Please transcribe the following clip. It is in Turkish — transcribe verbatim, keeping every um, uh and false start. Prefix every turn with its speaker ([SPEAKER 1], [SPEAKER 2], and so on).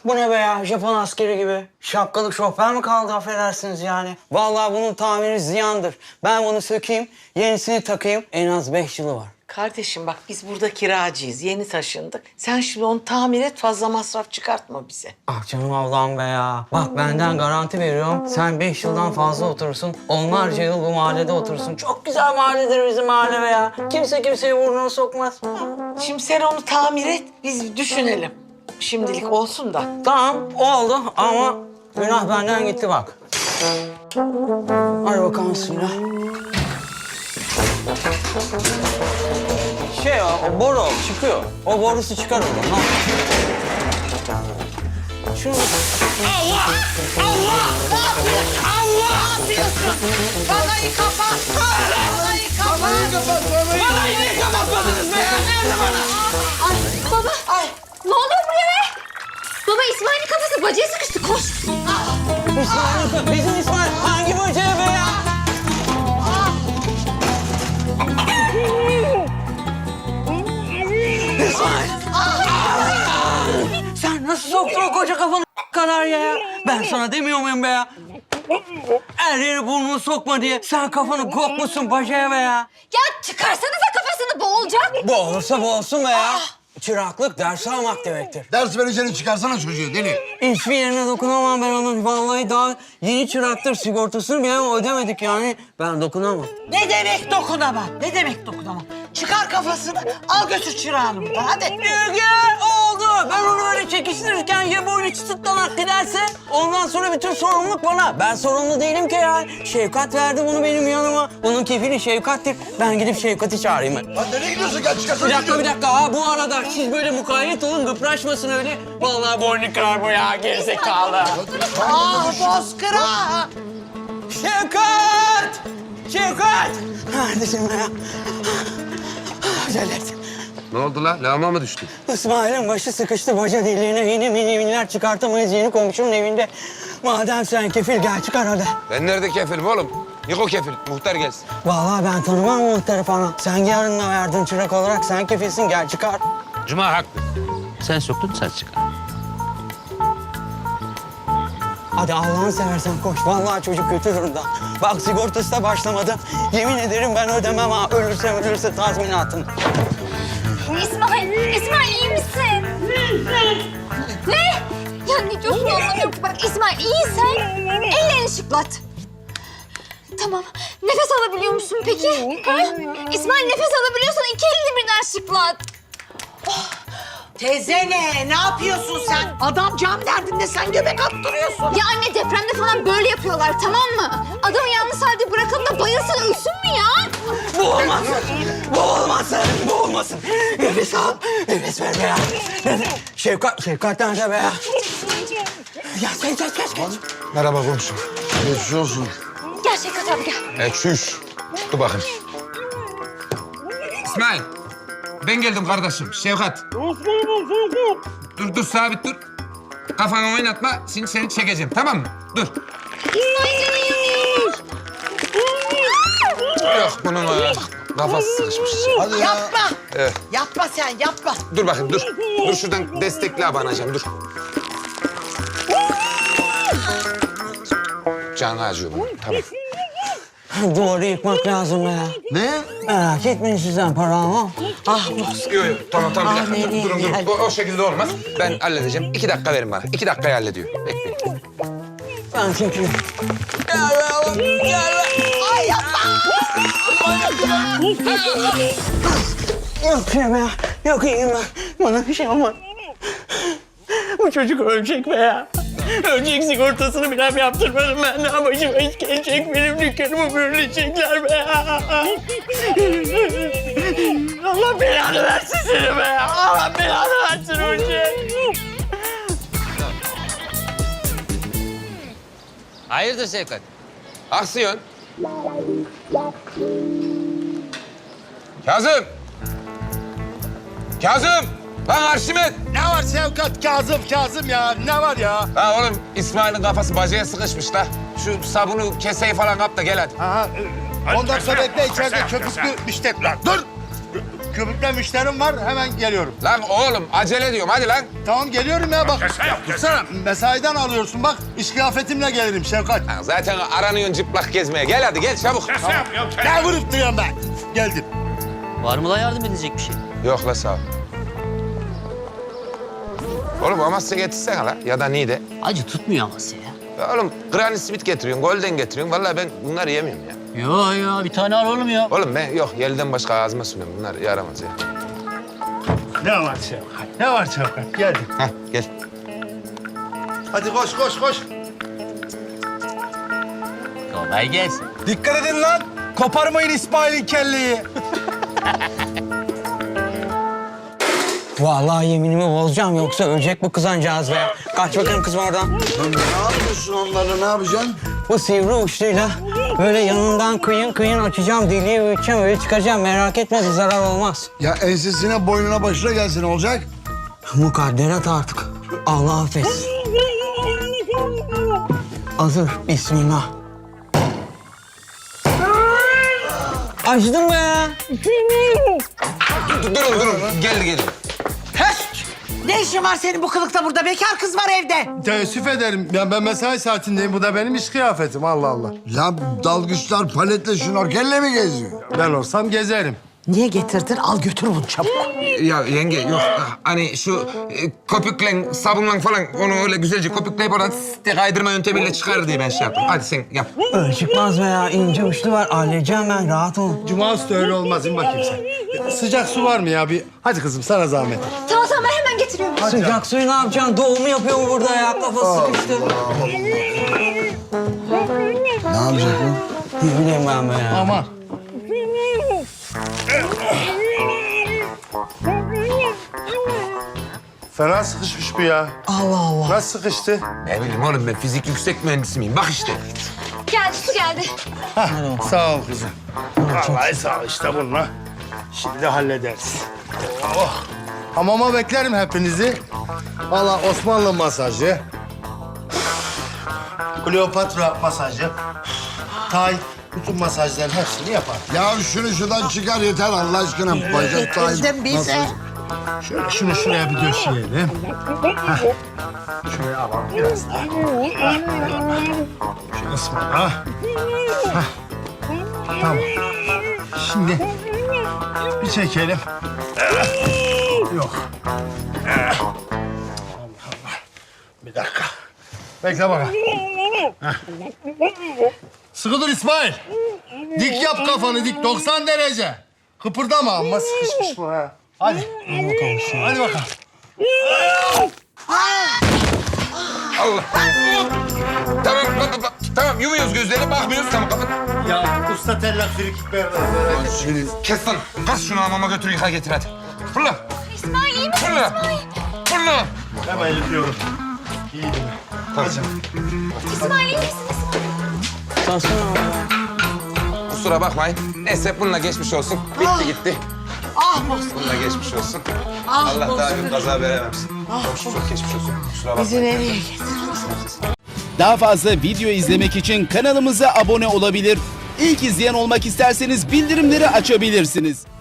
[SPEAKER 1] Bu ne be ya? Japon askeri gibi. Şapkalık şoför mü kaldı affedersiniz yani? Vallahi bunun tamiri ziyandır. Ben bunu sökeyim, yenisini takayım. En az beş yılı var.
[SPEAKER 2] Kardeşim bak biz burada kiracıyız. Yeni taşındık. Sen şimdi onu tamir et, fazla masraf çıkartma bize.
[SPEAKER 1] Ah canım ablam be ya. Bak benden garanti veriyorum. Sen beş yıldan fazla oturursun. Onlarca yıl bu mahallede oturursun. Çok güzel mahalledir bizim mahalle be ya. Kimse kimseye burnunu sokmaz.
[SPEAKER 2] Şimdi sen onu tamir et, biz düşünelim. Şimdilik olsun da.
[SPEAKER 1] Tamam oldu ama günah benden gitti bak. Hadi bakalım bismillah. Şey o, o boru çıkıyor. O borusu çıkar oradan. Ha. Şunu...
[SPEAKER 2] Allah! Allah! Ne yapıyorsun? Allah! Ne yapıyorsun? Balayı kapat! Balayı kapat! Balayı kapat! Balayı niye kapatmadınız be? Nerede bana?
[SPEAKER 3] Ay baba.
[SPEAKER 2] Ay!
[SPEAKER 3] Ne oluyor buraya be? Baba İsmail'in kafası bacaya sıkıştı. Koş.
[SPEAKER 1] İsmail, bizim İsmail hangi böceği be ya? İsmail! Sen nasıl soktun o koca kafanı kadar ya? Ben sana demiyor muyum be ya? Her yere burnunu sokma diye. Sen kafanı kokmuşsun bacaya be ya.
[SPEAKER 3] Ya çıkarsanıza kafasını, boğulacak.
[SPEAKER 1] Bu olursa bu olsun be ya. Çıraklık ders almak demektir.
[SPEAKER 4] Ders vereceğini çıkarsana çocuğu deli.
[SPEAKER 1] Hiçbir yerine dokunamam ben onun. Vallahi daha yeni çıraktır. Sigortasını bile ödemedik yani. Ben dokunamam.
[SPEAKER 2] Ne demek dokunamam? Ne demek dokunamam? Çıkar kafasını, al götür çırağını buradan hadi.
[SPEAKER 1] Gel oldu. Ben onu öyle çekiştirirken ya böyle çıtıtlanak giderse ondan sonra bütün sorumluluk bana. Ben sorumlu değilim ki ya. Şefkat verdi bunu benim yanıma. Bunun kefili Şefkat'tir. Ben gidip Şefkat'i çağırayım. Ben.
[SPEAKER 4] Lan nereye gidiyorsun? Gel çıkarsana
[SPEAKER 1] Bir dakika
[SPEAKER 4] çocuğu.
[SPEAKER 1] bir dakika. Ha, bu arada siz böyle mukayyet olun, gıpraşmasın öyle. Vallahi boynu kırar bu ya gerizekalı.
[SPEAKER 2] Ah bozkıra!
[SPEAKER 1] Şefkat! Şefkat! Neredesin be ya? Acele et.
[SPEAKER 5] Ne oldu la? Lağma mı düştü?
[SPEAKER 1] İsmail'in başı sıkıştı baca deliğine. Yeni mini miniler çıkartamayız yeni komşunun evinde. Madem sen kefil gel çıkar hadi.
[SPEAKER 5] Ben nerede kefilim oğlum? Yok o kefil. Muhtar gelsin.
[SPEAKER 1] Vallahi ben tanımam muhtarı falan. Sen yarınla verdin çırak olarak sen kefilsin gel çıkar.
[SPEAKER 6] Cuma haklı. Sen soktun sen çıkar.
[SPEAKER 1] Hadi Allah'ını seversen koş. Vallahi çocuk kötü durumda. Bak sigortası da başlamadı. Yemin ederim ben ödemem ha. Ölürse ölürse tazminatını.
[SPEAKER 3] İsmail, İsmail iyi misin? Ne? Ya ne diyorsun anlamıyorum ki. Bak İsmail iyiysen ellerini şıklat. Tamam. Nefes alabiliyor musun peki? Ha? İsmail nefes alabiliyorsan iki elini birden şıklat.
[SPEAKER 2] Teyze ne? Ne yapıyorsun sen? Adam can derdinde sen göbek attırıyorsun.
[SPEAKER 3] Ya anne depremde falan böyle yapıyorlar tamam mı? Adamı yalnız halde bırakalım da bayılsın ölsün mü ya?
[SPEAKER 1] Bu olmasın. Bu olmasın. Bu olmasın. Nefes al. Nefes ver be ya. Nefes. Şefkat, Şefkat nerede be ya? Ya geç, geç, geç, geç.
[SPEAKER 4] Merhaba komşu. Geçmiş olsun.
[SPEAKER 3] Gel Şevkat abi gel.
[SPEAKER 5] E çüş. Dur bakayım. İsmail. Ben geldim kardeşim. Şevkat. Dur dur sabit dur. Kafanı oynatma. Şimdi seni çekeceğim tamam mı? Dur. Yok bunun e, kafası sıkışmış.
[SPEAKER 4] Hadi ya.
[SPEAKER 2] Yapma.
[SPEAKER 5] Evet.
[SPEAKER 2] Yapma sen yapma.
[SPEAKER 5] Dur bakayım dur. Dur şuradan destekle abanacağım dur. Canı acıyor bunun. Tamam.
[SPEAKER 1] Duvarı yıkmak lazım be ya.
[SPEAKER 4] Ne?
[SPEAKER 1] Merak etmeyin sizden para ama.
[SPEAKER 2] Ah bozkır.
[SPEAKER 5] Yok yok tamam tamam bir
[SPEAKER 2] Ah,
[SPEAKER 5] dakika.
[SPEAKER 2] nereye
[SPEAKER 5] Durun durun.
[SPEAKER 2] geldik?
[SPEAKER 5] O, o şekilde olmaz. Ben halledeceğim. İki dakika verin bana. İki dakikayı hallediyor. Bekleyin.
[SPEAKER 1] Ben çekeyim. Gel be oğlum, gel be.
[SPEAKER 2] Ay yapma.
[SPEAKER 1] Yok şey be ya. Yok iyiyim ben. Bana bir şey olmaz. Bu çocuk ölecek be ya. Ölecek sigortasını bile yaptırmadım ben. Daha başıma iş gelecek. Benim dükkanımı bölünecekler be ya. Allah belanı versin seni be ya. Allah belanı versin ölecek.
[SPEAKER 6] Hayırdır Şevkat?
[SPEAKER 5] Aksiyon. Kazım. Kazım. Lan Arşimet.
[SPEAKER 4] Ne var Şevkat? Kazım, Kazım ya. Ne var ya?
[SPEAKER 5] La oğlum İsmail'in kafası bacaya sıkışmış la. Şu sabunu keseyi falan kap da gel hadi.
[SPEAKER 4] Aha, on dakika bekle içeride köpüklü müştek. Lan dur! köpükle müşterim var. Hemen geliyorum.
[SPEAKER 5] Lan oğlum acele diyorum hadi lan.
[SPEAKER 4] Tamam geliyorum ya bak. Dursana. Mesaiden alıyorsun bak. İş kıyafetimle gelirim Şevkat.
[SPEAKER 5] Lan zaten aranıyorsun çıplak gezmeye. Gel hadi gel çabuk.
[SPEAKER 4] Ne vurup duruyorum ben? Geldim.
[SPEAKER 6] Var mı la yardım edecek bir şey?
[SPEAKER 5] Yok la sağ ol. Oğlum Amasya getirsene la ya da Niğde.
[SPEAKER 6] Acı tutmuyor Amasya ya.
[SPEAKER 5] Ya oğlum Granny Smith getiriyorsun, Golden getiriyorsun. Vallahi ben bunları yemiyorum ya.
[SPEAKER 6] Yo yo bir tane al oğlum ya.
[SPEAKER 5] Oğlum ben yok yelden başka ağzıma sürüyorum. Bunlar yaramaz ya.
[SPEAKER 4] Ne var Şevkat? Ne var Şevkat? Geldim.
[SPEAKER 5] Hah gel.
[SPEAKER 4] Hadi koş koş koş.
[SPEAKER 6] Kolay gelsin.
[SPEAKER 7] Dikkat edin lan. Koparmayın İsmail'in kelleyi.
[SPEAKER 1] Vallahi yeminimi bozacağım yoksa ölecek bu kızancağız be. Kaç bakalım kızım oradan.
[SPEAKER 8] Lan ne yapıyorsun onlarla, ne yapacaksın?
[SPEAKER 1] Bu sivri uçluyla böyle yanından kıyın kıyın açacağım, deliği büyüteceğim, öyle çıkaracağım. Merak etme, bir zarar olmaz.
[SPEAKER 8] Ya ensesine, boynuna, başına gelsin olacak.
[SPEAKER 1] Mukadderat artık. Allah affetsin. Hazır, bismillah. Açtım be.
[SPEAKER 5] Dur, durun durun. Geldi geldi.
[SPEAKER 2] Ne işin var senin bu kılıkta burada? Bekar kız var evde.
[SPEAKER 4] Teessüf ederim. Ya ben mesai saatindeyim. Bu da benim iş kıyafetim. Allah Allah.
[SPEAKER 8] Ya dalgıçlar paletle şnorkelle mi geziyor?
[SPEAKER 4] Ben olsam gezerim.
[SPEAKER 2] Niye getirdin? Al götür bunu çabuk.
[SPEAKER 5] Ya yenge yok hani şu e, köpükle sabunla falan onu öyle güzelce köpükleyip oradan de kaydırma yöntemiyle çıkar diye ben şey yaptım. Hadi sen yap.
[SPEAKER 1] Öyle çıkmaz be ya. İnce uçlu var. Halledeceğim ben. Rahat ol.
[SPEAKER 4] Cuma üstü öyle olmaz. İn bakayım sen. Sıcak su var mı ya? Bir... Hadi kızım sana zahmet.
[SPEAKER 3] Tamam tamam ben hemen getiriyorum.
[SPEAKER 1] Sıcak suyu ne yapacaksın? Doğumu yapıyor mu burada ya? Kafası sıkıştı.
[SPEAKER 8] Ne yapacak bu?
[SPEAKER 1] Ne bileyim ben be ya.
[SPEAKER 4] Aman. Fena sıkışmış bu ya.
[SPEAKER 1] Allah Allah.
[SPEAKER 4] Nasıl sıkıştı?
[SPEAKER 5] Ne bileyim oğlum ben fizik yüksek mühendisi miyim? Bak işte.
[SPEAKER 3] Geldi su geldi.
[SPEAKER 4] Sağ ol kızım. Vallahi sağ ol işte bununla. Şimdi hallederiz. Oh. Hamama beklerim hepinizi. Valla Osmanlı masajı. Kleopatra masajı. Tay, bütün masajların hepsini yapar.
[SPEAKER 8] Ya şunu şuradan çıkar yeter Allah aşkına. Bacak
[SPEAKER 2] Getirdim bize.
[SPEAKER 4] Şöyle şunu şuraya bir döşeyelim. Hah. Şuraya alalım biraz daha. Şu kısmı da. Hah. Tamam. Şimdi bir çekelim. Yok. Allah Allah. Bir dakika. Bekle bakalım. Heh. Sıkı dur İsmail. Dik yap kafanı dik doksan derece. Kıpırdama ama sıkışmış bu ha. Hadi. Hadi bakalım.
[SPEAKER 5] Allah. Tamam tamam tamam yumuyoruz gözleri bakmıyoruz tamam kapat.
[SPEAKER 4] Ya usta tellak frikik verdi.
[SPEAKER 5] Kes lan. Kas şunu hamama götür yıka getir hadi. Fırla.
[SPEAKER 3] İsmail iyi misin
[SPEAKER 5] Fırla.
[SPEAKER 3] İsmail?
[SPEAKER 5] Fırla.
[SPEAKER 4] Hemen yıkıyorum. İyi değil mi?
[SPEAKER 5] Tamam.
[SPEAKER 3] İsmail iyi misin İsmail?
[SPEAKER 5] Kusura bakmayın. Neyse bununla geçmiş olsun. Bitti gitti.
[SPEAKER 2] Ah Bozkır.
[SPEAKER 5] Bununla geçmiş olsun.
[SPEAKER 2] Ah
[SPEAKER 5] Allah daha
[SPEAKER 2] Bozkır.
[SPEAKER 5] bir kaza verememsin. Çok çok geçmiş olsun. Kusura
[SPEAKER 2] Bizi
[SPEAKER 5] bakmayın.
[SPEAKER 2] nereye getirdin?
[SPEAKER 9] Daha fazla video izlemek için kanalımıza abone olabilir. İlk izleyen olmak isterseniz bildirimleri açabilirsiniz.